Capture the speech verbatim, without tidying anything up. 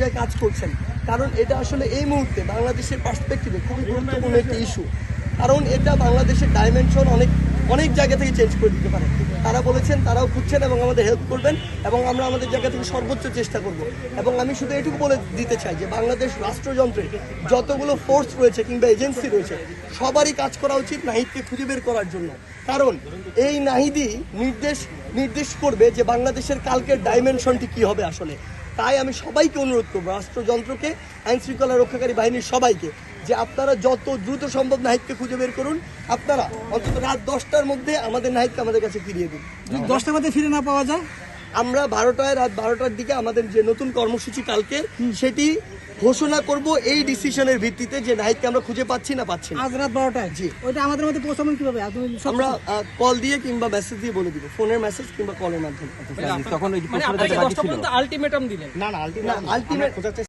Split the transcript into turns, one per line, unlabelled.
পর্যায়ে কাজ করছেন, কারণ এটা আসলে এই মুহূর্তে বাংলাদেশের পার্সপেক্টিভে খুবই গুরুত্বপূর্ণ একটি ইস্যু। কারণ এটা বাংলাদেশের ডাইমেনশন অনেক অনেক জায়গা থেকে চেঞ্জ করে দিতে পারে। তারা বলেছেন তারাও খুঁজছেন এবং আমাদের হেল্প করবেন, এবং আমরা আমাদের জায়গা থেকে সর্বোচ্চ চেষ্টা করব। এবং আমি শুধু এটুকু বলে দিতে চাই যে বাংলাদেশ রাষ্ট্রযন্ত্রে যতগুলো ফোর্স রয়েছে কিংবা এজেন্সি রয়েছে, সবারই কাজ করা উচিত নাহিদকে খুঁজে বের করার জন্য। কারণ এই নাহিদই নির্দেশ নির্দেশ করবে যে বাংলাদেশের কালকের ডাইমেনশনটি কী হবে আসলে। তাই আমি সবাইকে অনুরোধ করবো, রাষ্ট্রযন্ত্রকে, আইন শৃঙ্খলা রক্ষাকারী বাহিনীর সবাইকে, যে আপনারা যত দ্রুত সম্ভব নাহিদকে খুঁজে বের করুন। আপনারা অন্তত রাত দশটার মধ্যে আমাদের নাহিদকে আমাদের কাছে ফিরিয়ে দিন।
যদি দশটার মধ্যে ফিরে না পাওয়া যায়,
আমরা বারোটায় রাত বারোটার দিকে আমাদের যে নতুন কর্মসূচি কালকে সেটি ঘোষণা করব এই ডিসিশনের ভিত্তিতে যে নাহিদকে আমরা খুঁজে পাচ্ছি না পাচ্ছি না।
আজ রাত বারোটায়
জি।
ওইটা আমাদের মধ্যে পৌঁছাবেন কিভাবে?
আমরা কল দিয়ে কিংবা মেসেজ দিয়ে বলে দিব, ফোনের মেসেজ কিংবা কলের মাধ্যমে।
তখন ওই
মানে আপনাকে দশটা পর্যন্ত আলটিমেটাম দিলেন?
না না আলটিমেট